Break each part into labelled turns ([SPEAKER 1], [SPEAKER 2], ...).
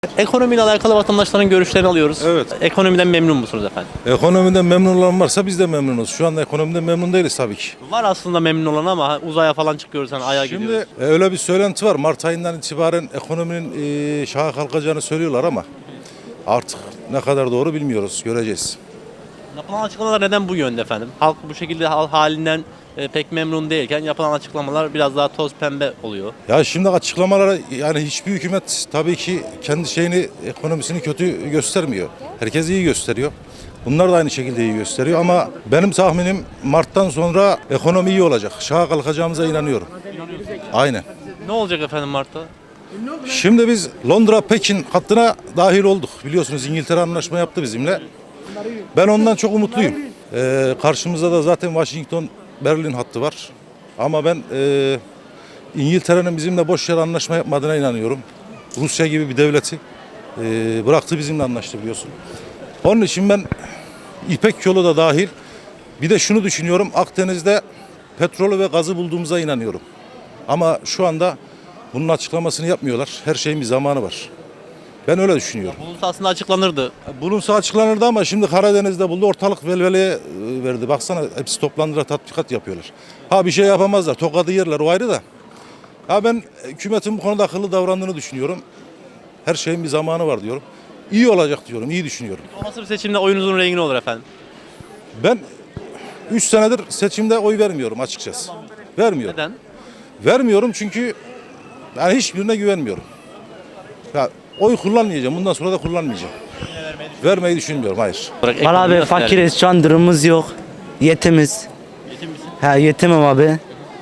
[SPEAKER 1] Ekonomiyle alakalı vatandaşların görüşlerini alıyoruz.
[SPEAKER 2] Evet.
[SPEAKER 1] Ekonomiden memnun musunuz efendim?
[SPEAKER 2] Ekonomiden memnun olan varsa biz de memnunuz. Şu anda ekonomiden memnun değiliz tabii ki.
[SPEAKER 1] Var aslında memnun olan ama uzaya falan çıkıyoruz, hani Ay'a
[SPEAKER 2] Şimdi
[SPEAKER 1] gidiyoruz.
[SPEAKER 2] öyle bir söylenti var. Mart ayından itibaren ekonominin şaha kalkacağını söylüyorlar ama artık ne kadar doğru bilmiyoruz. Göreceğiz.
[SPEAKER 1] Yapılan açıklamalar neden bu yönde efendim? Halk bu şekilde halinden pek memnun değilken yapılan açıklamalar biraz daha toz pembe oluyor.
[SPEAKER 2] Ya şimdi açıklamalara yani hiçbir hükümet tabii ki kendi ekonomisini kötü göstermiyor. Herkes iyi gösteriyor. Bunlar da aynı şekilde iyi gösteriyor ama benim tahminim Mart'tan sonra ekonomi iyi olacak. Şaha kalkacağımıza inanıyorum. Aynen.
[SPEAKER 1] Ne olacak efendim Mart'ta?
[SPEAKER 2] Şimdi biz Londra-Pekin hattına dahil olduk. Biliyorsunuz İngiltere anlaşma yaptı bizimle. Ben ondan çok umutluyum. Karşımızda da zaten Washington-Berlin hattı var. Ama ben İngiltere'nin bizimle boş yere anlaşma yapmadığına inanıyorum. Rusya gibi bir devleti bıraktı, bizimle anlaştı biliyorsun. Onun için ben İpek yolu da dahil bir de şunu düşünüyorum. Akdeniz'de petrolü ve gazı bulduğumuza inanıyorum. Ama şu anda bunun açıklamasını yapmıyorlar. Her şeyin bir zamanı var. Ben öyle düşünüyorum.
[SPEAKER 1] Bulunsa aslında açıklanırdı.
[SPEAKER 2] Bulunsa açıklanırdı ama şimdi Karadeniz'de buldu, ortalık velveleye verdi. Baksana hepsi toplandılar, tatbikat yapıyorlar. Ha bir şey yapamazlar, tokadı yerler, o ayrı da. Ha ben hükümetin bu konuda akıllı davrandığını düşünüyorum. Her şeyin bir zamanı var diyorum. İyi olacak diyorum, iyi düşünüyorum.
[SPEAKER 1] Olası bir seçimde oyunuzun rengi ne olur efendim?
[SPEAKER 2] Ben 3 senedir seçimde oy vermiyorum açıkçası. Vermiyorum.
[SPEAKER 1] Neden?
[SPEAKER 2] Vermiyorum çünkü yani hiçbirine güvenmiyorum. Ya oy kullanmayacağım, bundan sonra da kullanmayacağım. Vermeyi düşünmüyorum, hayır.
[SPEAKER 3] Valla abi fakiriz, şu an durumumuz yok. Yetimiz.
[SPEAKER 1] Yetim misin?
[SPEAKER 3] He yetimim abi.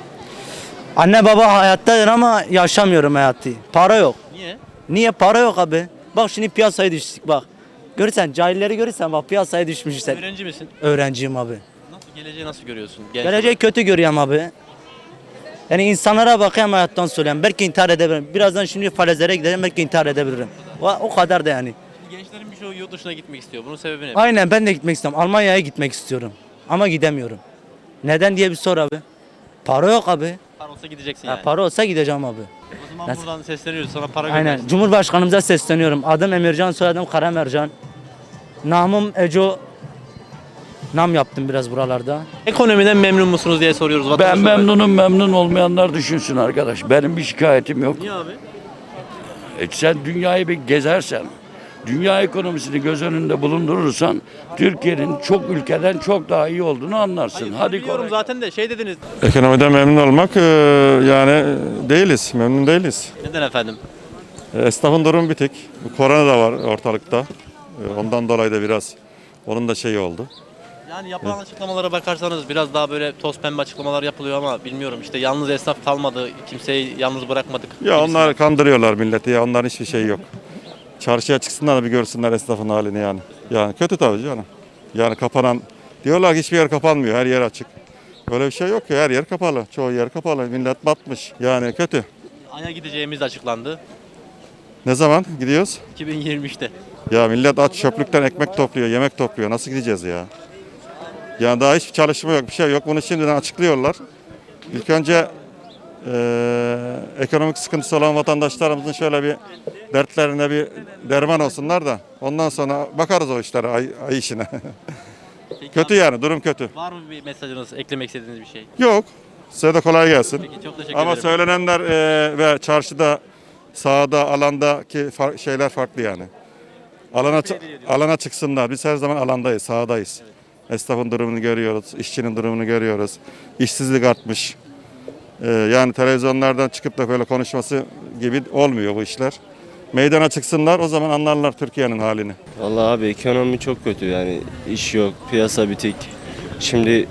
[SPEAKER 3] Anne baba hayattadır ama yaşamıyorum hayatı. Para yok.
[SPEAKER 1] Niye?
[SPEAKER 3] Niye para yok abi? Bak şimdi piyasaya düştük bak. Görürsen cahilleri görürsen bak piyasaya düşmüşsen.
[SPEAKER 1] Öğrenci misin?
[SPEAKER 3] Öğrenciyim abi.
[SPEAKER 1] Geleceği nasıl görüyorsun?
[SPEAKER 3] Geleceği kötü görüyorum abi. Yani insanlara bakayım hayattan söyleyeyim. Belki intihar edebilirim. Birazdan şimdi falezlere gidelim belki intihar edebilirim. O kadar da yani.
[SPEAKER 1] Gençlerin birçoğu yurt dışına gitmek istiyor. Bunun sebebi ne?
[SPEAKER 3] Aynen ben de gitmek istiyorum. Almanya'ya gitmek istiyorum. Ama gidemiyorum. Neden diye bir sor abi. Para yok abi.
[SPEAKER 1] Para olsa gideceksin
[SPEAKER 3] Ha,
[SPEAKER 1] yani.
[SPEAKER 3] para olsa gideceğim abi.
[SPEAKER 1] O zaman
[SPEAKER 3] Nasıl?
[SPEAKER 1] buradan sesleniyoruz. Sana para
[SPEAKER 3] Aynen.
[SPEAKER 1] göndersin.
[SPEAKER 3] Cumhurbaşkanımıza sesleniyorum. Adım Emircan, soyadım Karamercan. Namım Eco. Nam yaptım biraz buralarda.
[SPEAKER 1] Ekonomiden memnun musunuz diye soruyoruz
[SPEAKER 4] Ben
[SPEAKER 1] vatandaşlara.
[SPEAKER 4] memnunum, memnun olmayanlar düşünsün arkadaş. Benim bir şikayetim yok.
[SPEAKER 1] Niye abi?
[SPEAKER 4] Sen dünyayı bir gezersen, dünya ekonomisini göz önünde bulundurursan Türkiye'nin çok ülkeden çok daha iyi olduğunu anlarsın. Hadi
[SPEAKER 1] Biliyorum
[SPEAKER 4] kolay.
[SPEAKER 1] zaten de şey dediniz.
[SPEAKER 5] Ekonomiden memnun olmak yani değiliz, memnun değiliz.
[SPEAKER 1] Neden efendim?
[SPEAKER 5] Esnafın durumu bitik. Bu korona da var ortalıkta. Ondan dolayı da biraz onun da şeyi oldu.
[SPEAKER 1] Yani yapılan açıklamalara bakarsanız biraz daha böyle toz pembe açıklamalar yapılıyor ama bilmiyorum işte yalnız esnaf kalmadı, kimseyi yalnız bırakmadık.
[SPEAKER 5] Ya onlar kandırıyorlar milleti ya, onların hiçbir şeyi yok. Çarşıya çıksınlar da bir görsünler esnafın halini yani. Yani kötü tabii canım. Yani kapanan, diyorlar ki hiçbir yer kapanmıyor, her yer açık. Öyle bir şey yok ki, her yer kapalı, çoğu yer kapalı, millet batmış. Yani kötü.
[SPEAKER 1] Ay'a gideceğimiz açıklandı
[SPEAKER 5] Ne zaman gidiyoruz?
[SPEAKER 1] 2023'te.
[SPEAKER 5] Ya millet aç, çöplükten ekmek topluyor, yemek topluyor. Nasıl gideceğiz ya? Yani daha hiçbir çalışma yok, bir şey yok. Bunu şimdiden açıklıyorlar. İlk önce ekonomik sıkıntısı olan vatandaşlarımızın şöyle bir dertlerine bir derman olsunlar da ondan sonra bakarız o işlere, ay işine.
[SPEAKER 1] Peki
[SPEAKER 5] Kötü
[SPEAKER 1] abi,
[SPEAKER 5] yani, durum kötü.
[SPEAKER 1] var mı bir mesajınız, eklemek istediğiniz bir şey?
[SPEAKER 5] Yok. Size de kolay gelsin.
[SPEAKER 1] Peki çok teşekkür
[SPEAKER 5] Ama
[SPEAKER 1] ederim.
[SPEAKER 5] söylenenler ve çarşıda, sahada, alandaki şeyler farklı yani. Alana çıksınlar. Biz her zaman alandayız, sahadayız. Esnafın durumunu görüyoruz, işçinin durumunu görüyoruz. İşsizlik artmış. Yani televizyonlardan çıkıp da böyle konuşması gibi olmuyor bu işler. Meydana çıksınlar, o zaman anlarlar Türkiye'nin halini.
[SPEAKER 6] Vallahi abi ekonomi çok kötü yani iş yok, piyasa bitik. Şimdi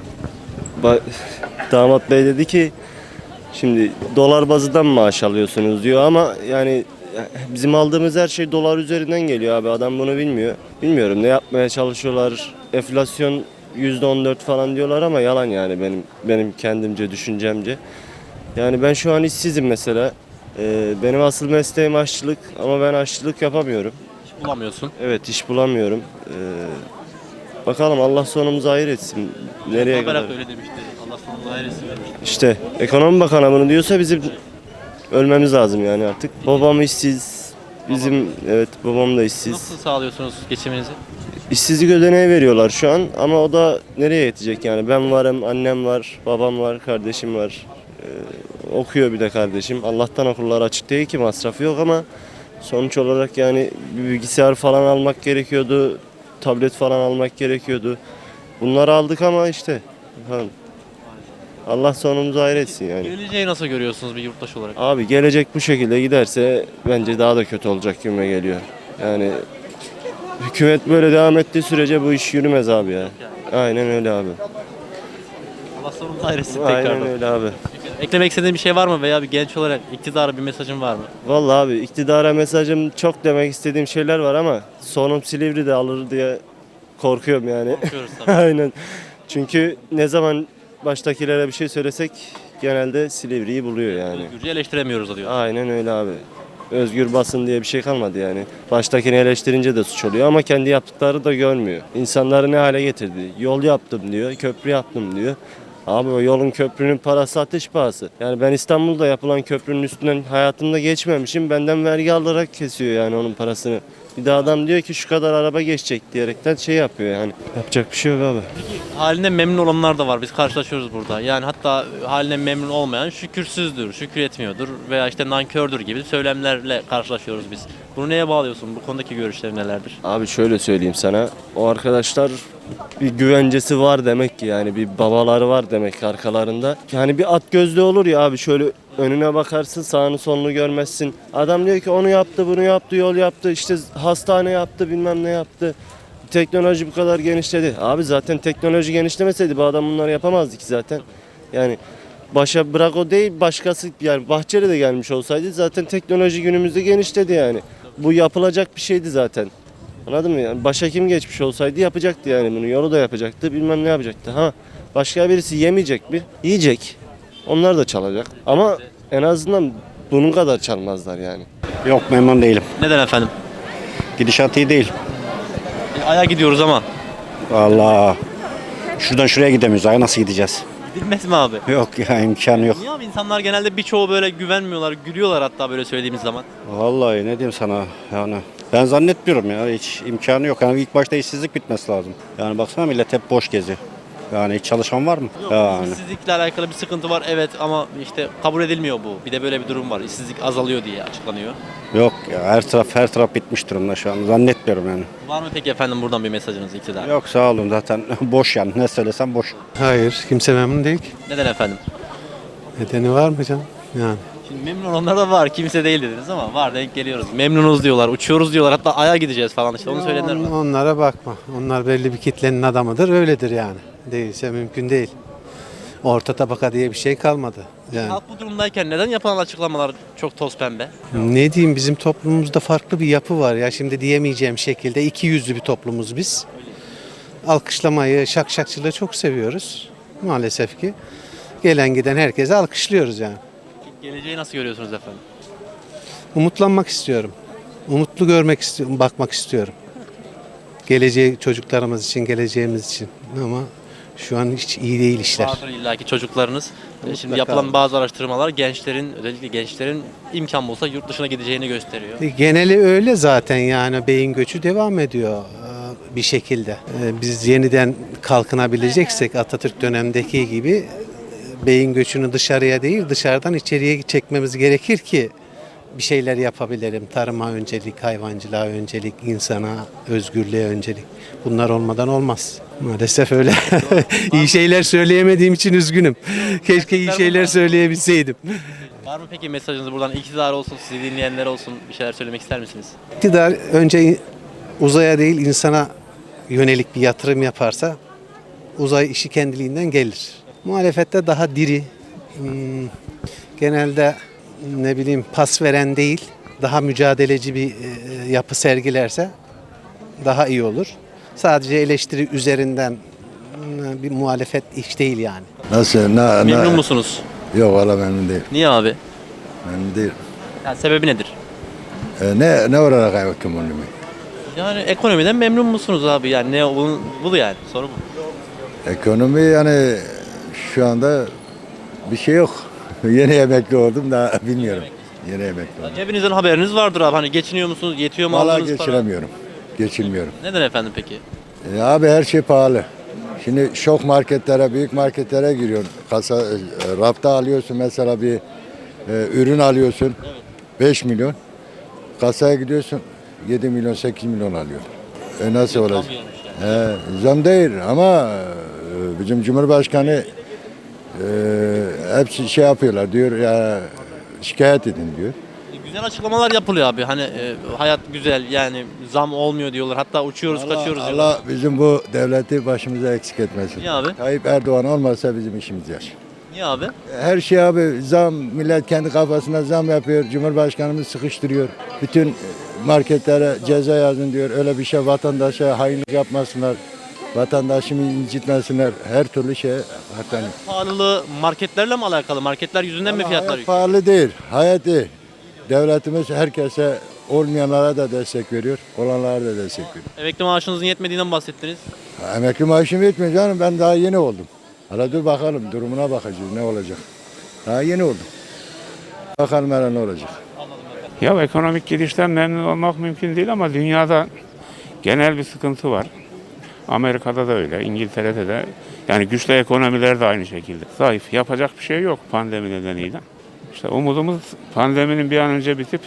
[SPEAKER 6] damat bey dedi ki şimdi dolar bazından maaş alıyorsunuz diyor ama yani bizim aldığımız her şey dolar üzerinden geliyor abi, adam bunu bilmiyor. Bilmiyorum ne yapmaya çalışıyorlar, enflasyon %14 falan diyorlar ama yalan yani benim kendimce düşüncemce. Yani ben şu an işsizim mesela. Benim asıl mesleğim aşçılık ama ben aşçılık yapamıyorum.
[SPEAKER 1] Hiç bulamıyorsun.
[SPEAKER 6] Evet iş bulamıyorum. Bakalım Allah sonumuzu hayır etsin. Nereye kadar?
[SPEAKER 1] Berat öyle demişti. Allah sonumuzu hayretsin demişti.
[SPEAKER 6] İşte ekonomi bakanı bunu diyorsa bizim ölmemiz lazım yani artık. Babam işsiz, Bizim evet babam da işsiz.
[SPEAKER 1] Nasıl sağlıyorsunuz geçiminizi?
[SPEAKER 6] İşsizlik ödeneği veriyorlar şu an ama o da nereye yetecek yani? Ben varım, annem var, babam var, kardeşim var. Okuyor bir de kardeşim. Allah'tan okullar açık değil ki masrafı yok ama sonuç olarak yani bir bilgisayar falan almak gerekiyordu. Tablet falan almak gerekiyordu. Bunları aldık ama işte bakalım. Allah sonumuzu hayretsin yani.
[SPEAKER 1] Geleceği nasıl görüyorsunuz bir yurttaş olarak?
[SPEAKER 6] Abi gelecek bu şekilde giderse bence daha da kötü olacak gibime geliyor. Yani hükümet böyle devam ettiği sürece bu iş yürümez abi ya. Aynen öyle abi.
[SPEAKER 1] Allah sonumuzu hayretsin
[SPEAKER 6] Aynen
[SPEAKER 1] tekrardan.
[SPEAKER 6] öyle abi.
[SPEAKER 1] Eklemek istediğin bir şey var mı veya bir genç olarak iktidara bir mesajın var mı?
[SPEAKER 6] Vallahi abi iktidara mesajım çok demek istediğim şeyler var ama sonum Silivri'de alır diye korkuyorum yani.
[SPEAKER 1] Korkuyoruz tabii.
[SPEAKER 6] Aynen. Çünkü ne zaman baştakilere bir şey söylesek genelde Silivri'yi buluyor yani.
[SPEAKER 1] Özgürce eleştiremiyoruz diyor.
[SPEAKER 6] Aynen öyle abi. Özgür basın diye bir şey kalmadı yani. Baştakini eleştirince de suç oluyor ama kendi yaptıkları da görmüyor. İnsanları ne hale getirdi? Yol yaptım diyor, köprü yaptım diyor. Abi o yolun köprünün parası ateş pahası. Yani ben İstanbul'da yapılan köprünün üstünden hayatımda geçmemişim. Benden vergi alarak kesiyor yani onun parasını. Bir de adam diyor ki şu kadar araba geçecek diyerekten şey yapıyor yani. Yapacak bir şey yok abi.
[SPEAKER 1] Halinden memnun olanlar da var. Biz karşılaşıyoruz burada. Yani hatta halinden memnun olmayan şükürsüzdür, şükür etmiyordur veya işte nankördür gibi söylemlerle karşılaşıyoruz biz. Bunu neye bağlıyorsun? Bu konudaki görüşlerin nelerdir?
[SPEAKER 6] Abi şöyle söyleyeyim sana. O arkadaşlar bir güvencesi var demek ki yani bir babaları var demek ki arkalarında. Yani bir at gözlü olur ya abi şöyle önüne bakarsın sağını solunu görmezsin. Adam diyor ki onu yaptı bunu yaptı yol yaptı işte hastane yaptı bilmem ne yaptı. Teknoloji bu kadar genişledi. Abi zaten teknoloji genişlemeseydi bu adam bunları yapamazdı ki zaten. Yani başa bırak o değil başkası yani Bahçeli de gelmiş olsaydı zaten teknoloji günümüzde genişledi yani. Bu yapılacak bir şeydi zaten. Anladın mı? Yani başa kim geçmiş olsaydı yapacaktı yani bunu. Yolu da yapacaktı, bilmem ne yapacaktı. Ha başka birisi yemeyecek mi? Yiyecek. Onlar da çalacak. Ama en azından bunun kadar çalmazlar yani.
[SPEAKER 7] Yok memnun değilim.
[SPEAKER 1] Neden efendim?
[SPEAKER 7] Gidişat iyi değil.
[SPEAKER 1] Aya gidiyoruz ama.
[SPEAKER 7] Allah. Şuradan şuraya gidemiyoruz. Ay nasıl gideceğiz?
[SPEAKER 1] Gidilmez mi abi?
[SPEAKER 7] Yok ya imkanı yok.
[SPEAKER 1] Niye abi? İnsanlar genelde birçoğu böyle güvenmiyorlar, gülüyorlar hatta böyle söylediğimiz zaman.
[SPEAKER 7] Vallahi ne diyeyim sana yani. Ben zannetmiyorum ya hiç imkanı yok. Yani ilk başta işsizlik bitmesi lazım. Yani baksana millet hep boş geziyor. Yani hiç çalışan var mı? Yani.
[SPEAKER 1] İşsizlikle alakalı bir sıkıntı var evet ama işte kabul edilmiyor bu. Bir de böyle bir durum var. İşsizlik azalıyor diye açıklanıyor.
[SPEAKER 7] Yok ya her taraf bitmiş durumda şu an. Zannetmiyorum yani.
[SPEAKER 1] Var mı peki efendim buradan bir mesajınız iktidara?
[SPEAKER 7] Yok sağ olun zaten boş yani. Ne söylesem boş.
[SPEAKER 8] Hayır, kimse memnun değil ki.
[SPEAKER 1] Neden efendim?
[SPEAKER 8] Nedeni var mı canım? Yani.
[SPEAKER 1] Şimdi memnun olanlar da var. Kimse değil dediniz ama var denk geliyoruz. Memnunuz diyorlar, uçuyoruz diyorlar. Hatta Ay'a gideceğiz falan işte. Onu söyleyenler var.
[SPEAKER 8] Onlara bakma. Onlar belli bir kitlenin adamıdır, öyledir yani. Değilse mümkün değil. Orta tabaka diye bir şey kalmadı. Yani.
[SPEAKER 1] Halk bu durumdayken neden yapılan açıklamalar çok toz pembe?
[SPEAKER 8] Ne diyeyim bizim toplumumuzda farklı bir yapı var ya. Şimdi diyemeyeceğim şekilde iki yüzlü bir toplumuz biz. Alkışlamayı, şakşakçılığı çok seviyoruz. Maalesef ki. Gelen giden herkese alkışlıyoruz yani.
[SPEAKER 1] Geleceği nasıl görüyorsunuz efendim?
[SPEAKER 8] Umutlanmak istiyorum. Umutlu görmek istiyorum, bakmak istiyorum. Geleceği çocuklarımız için, geleceğimiz için. Ama şu an hiç iyi değil işler.
[SPEAKER 1] Vardır illaki çocuklarınız. Şimdi
[SPEAKER 8] Mutlaka.
[SPEAKER 1] yapılan bazı araştırmalar gençlerin, özellikle gençlerin imkan bulsa yurt dışına gideceğini gösteriyor.
[SPEAKER 8] Geneli öyle zaten yani beyin göçü devam ediyor bir şekilde. Biz yeniden kalkınabileceksek Atatürk dönemindeki gibi beyin göçünü dışarıya değil dışarıdan içeriye çekmemiz gerekir ki bir şeyler yapabilelim. Tarıma öncelik, hayvancılığa öncelik, insana, özgürlüğe öncelik. Bunlar olmadan olmaz. Maalesef öyle. İyi şeyler söyleyemediğim için üzgünüm. Keşke iyi şeyler söyleyebilseydim.
[SPEAKER 1] Var mı peki mesajınız buradan iktidar olsun, sizi dinleyenler olsun bir şeyler söylemek ister misiniz?
[SPEAKER 8] İktidar önce uzaya değil insana yönelik bir yatırım yaparsa uzay işi kendiliğinden gelir. Muhalefette daha diri, genelde ne bileyim pas veren değil, daha mücadeleci bir yapı sergilerse daha iyi olur. Sadece eleştiri üzerinden bir muhalefet iş değil yani.
[SPEAKER 9] Nasıl?
[SPEAKER 1] Memnun musunuz?
[SPEAKER 9] Yok valla memnun değil.
[SPEAKER 1] Niye abi?
[SPEAKER 9] Memnun değil.
[SPEAKER 1] Yani sebebi nedir?
[SPEAKER 9] Ne olarak ekonomi?
[SPEAKER 1] Yani ekonomiden memnun musunuz abi? Yani ne bu yani soru bu.
[SPEAKER 9] Ekonomi yani şu anda bir şey yok. Yeni emekli oldum da bilmiyorum. Yeni emekli oldum.
[SPEAKER 1] Cebinizden haberiniz vardır abi. Hani geçiniyor musunuz? Yetiyor mu
[SPEAKER 9] Valla
[SPEAKER 1] aldığınız para?
[SPEAKER 9] geçiremiyorum. Geçinmiyorum.
[SPEAKER 1] Neden efendim peki?
[SPEAKER 9] Abi her şey pahalı. Şimdi şok marketlere, büyük marketlere giriyorsun. Rafta alıyorsun mesela bir ürün alıyorsun. 5 milyon. Kasaya gidiyorsun 7 milyon 8 milyon alıyor. Nasıl olacak? Zam değil ama bizim Cumhurbaşkanı hepsi şey yapıyorlar diyor ya, şikayet edin diyor.
[SPEAKER 1] Güzel açıklamalar yapılıyor abi. Hani hayat güzel yani zam olmuyor diyorlar. Hatta uçuyoruz kaçıyoruz diyorlar.
[SPEAKER 9] Allah bizim bu devleti başımıza eksik etmesin.
[SPEAKER 1] Niye abi?
[SPEAKER 9] Tayyip Erdoğan olmasa bizim işimiz yaş.
[SPEAKER 1] Niye abi?
[SPEAKER 9] Her şey abi zam, millet kendi kafasına zam yapıyor. Cumhurbaşkanımız sıkıştırıyor. Bütün marketlere ceza yazın diyor. Öyle bir şey vatandaşa hainlik yapmasınlar. Vatandaşımı incitmesinler. Her türlü şey hatta.
[SPEAKER 1] Pahalılığı marketlerle mi alakalı? Marketler yüzünden mi fiyatlar
[SPEAKER 9] Hayat
[SPEAKER 1] yükseliyor?
[SPEAKER 9] pahalı değil. Hayat iyi. Devletimiz herkese olmayanlara da destek veriyor. Olanlara da destek veriyor.
[SPEAKER 1] Emekli maaşınızın yetmediğinden bahsettiniz.
[SPEAKER 9] Emekli maaşım yetmiyor canım. Ben daha yeni oldum. Hala dur bakalım. Durumuna bakacağız. Ne olacak? Daha yeni oldum. Bakalım hele ne olacak.
[SPEAKER 10] Ya ekonomik gidişten memnun olmak mümkün değil ama dünyada genel bir sıkıntı var. Amerika'da da öyle, İngiltere'de de. Yani güçlü ekonomiler de aynı şekilde. Zayıf. Yapacak bir şey yok pandemi nedeniyle. İşte umudumuz pandeminin bir an önce bitip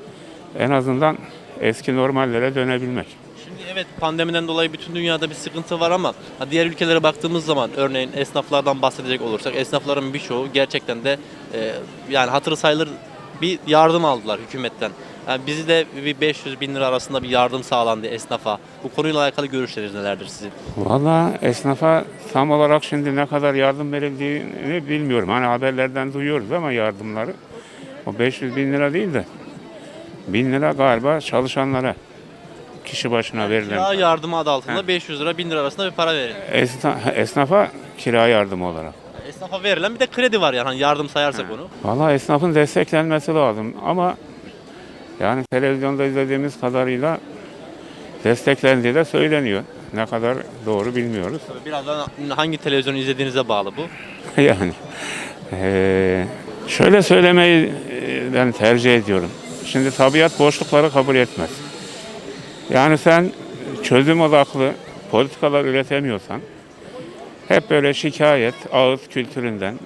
[SPEAKER 10] en azından eski normallere dönebilmek.
[SPEAKER 1] Şimdi evet pandemiden dolayı bütün dünyada bir sıkıntı var ama diğer ülkelere baktığımız zaman örneğin esnaflardan bahsedecek olursak esnafların birçoğu gerçekten de yani hatırı sayılır bir yardım aldılar hükümetten. Yani bizi de bir 500 bin lira arasında bir yardım sağlandı esnafa. Bu konuyla alakalı görüşleriniz nelerdir sizin?
[SPEAKER 10] Vallahi esnafa tam olarak şimdi ne kadar yardım verildiğini bilmiyorum. Hani haberlerden duyuyoruz ama yardımları. O 500 bin lira değil de 1000 lira galiba çalışanlara kişi başına verilen.
[SPEAKER 1] Kira yardımı adı altında 500 lira 1000 lira arasında bir para verin.
[SPEAKER 10] Esnafa kira yardımı olarak.
[SPEAKER 1] Esnafa verilen bir de kredi var yani hani yardım sayarsak onu.
[SPEAKER 10] Vallahi esnafın desteklenmesi lazım ama yani televizyonda izlediğimiz kadarıyla desteklendiği de söyleniyor. Ne kadar doğru bilmiyoruz.
[SPEAKER 1] Birazdan hangi televizyonu izlediğinize bağlı bu.
[SPEAKER 10] Yani şöyle söylemeyi ben tercih ediyorum. Şimdi tabiat boşlukları kabul etmez. Yani sen çözüm odaklı politikalar üretemiyorsan hep böyle şikayet, ağız kültüründen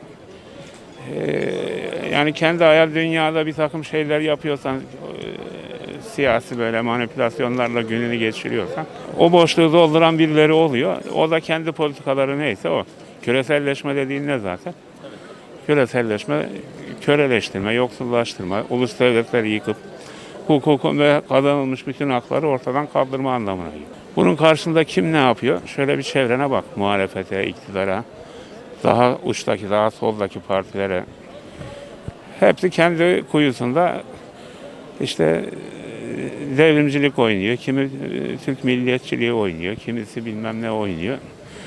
[SPEAKER 10] yani kendi hayal dünyada bir takım şeyler yapıyorsan siyasi böyle manipülasyonlarla gününü geçiriyorsan o boşluğu dolduran birileri oluyor. O da kendi politikaları neyse o. Küreselleşme dediğin ne zaten? Küreselleşme, köleleştirme, yoksullaştırma, ulus devletleri yıkıp hukukun ve kazanılmış bütün hakları ortadan kaldırma anlamına geliyor. Bunun karşısında kim ne yapıyor? Şöyle bir çevrene bak, muhalefete, iktidara, daha uçtaki, daha soldaki partilere. Hepsi kendi kuyusunda işte devrimcilik oynuyor, kimi Türk milliyetçiliği oynuyor, kimisi bilmem ne oynuyor.